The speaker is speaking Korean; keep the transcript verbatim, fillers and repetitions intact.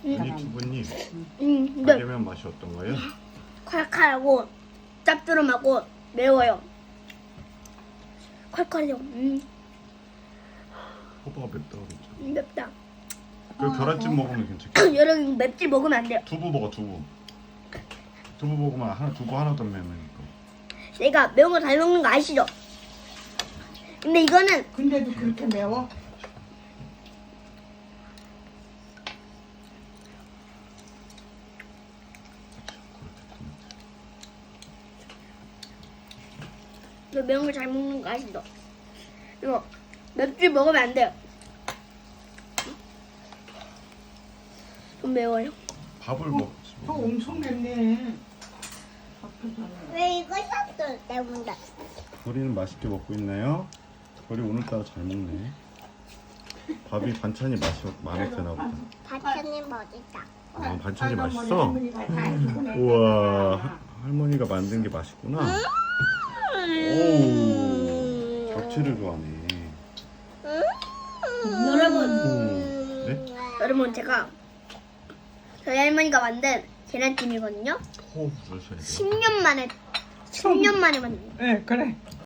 아니 주부님 음, 근데 짜장면 맛이 어떤가요? 칼칼하고 짭조름하고 매워요. 칼칼해요. 음, 호박가 맵다 그랬죠. 맵다. 그 계란찜 먹으면 괜찮겠다. 여러분 맵찔 먹으면 안 돼요. 두부 먹어 두부. 두부 먹으면 하나 두부 하나도 안 매우니까. 내가 매운 거 잘 먹는 거 아시죠? 근데 이거는 근데도 그렇게 매워? 이거 매운 거 잘 먹는 거 아시죠? 이거 맵찔 먹으면 안 돼요. 좀 매워요. 밥을 어, 먹지. 저 엄청 맵네. 앞에서는. 왜 이거 샀어 때문에? 우리는 맛있게 먹고 있나요? 우리 오늘따라 잘 먹네. 밥이 반찬이 맛이 마음에 드나 보다. 반찬이 멋있다. 아, 반찬이 할머니, 맛있어? 할머니가 다 해주고 내가 우와, 다 할머니가 만든 게 맛있구나. 음. 오, 겹치를 좋아하네. 여러분, 오, 네? 여러분 제가 저희 할머니가 만든 계란찜이거든요. 호흡 불어셔야 돼요. 십 년 만에 십 년 만에 만든. 네, 그래.